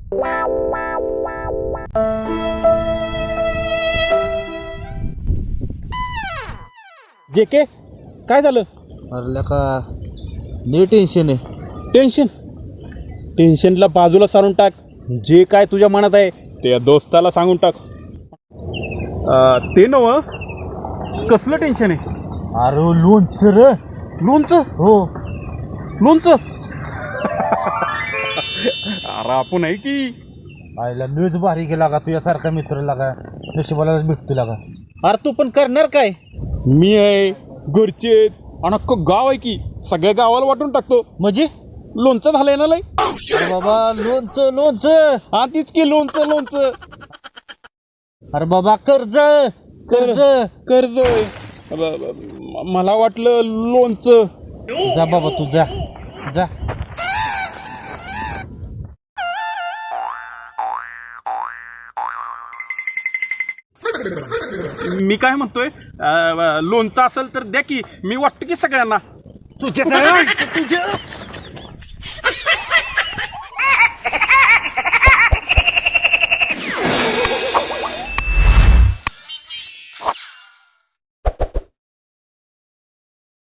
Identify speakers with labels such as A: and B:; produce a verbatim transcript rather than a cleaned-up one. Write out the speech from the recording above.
A: जे के काय झालं?
B: अरे का लय टेन्शन आहे.
A: टेन्शन टेन्शनला बाजूला सारून टाक. जे काय तुझ्या मनात आहे ते दोस्ताला सांगून टाक. अं, ते नव कसलं टेन्शन आहे?
B: अरे लोणचं रे.
A: लोणचं?
B: हो
A: लोणचं. अरे आपण आहे की
B: आईला मीच भारी केला का तुझ्यासारखा मित्र लागा नशिबालाच भेटतो लागा. अरे तू पण करणार काय?
A: मी आहे, घरचे आहेत, आणि अख्खं गाव आहे की सगळ्या गावाला वाटून टाकतो.
B: म्हणजे
A: लोणचं झालंय ना लय.
B: अरे बाबा लोणचं लोणचं.
A: हा तीच की लोणचं लोणचं.
B: अरे बाबा कर्ज कर्ज
A: कर्ज. ब- ब- मला वाटलं लोणचं.
B: जा बाबा तू जा जा.
A: मी काय म्हणतोय, अं, लोणचं असेल तर द्या की, मी वाटतो की सगळ्यांना.
B: तुझ्या तुझ्या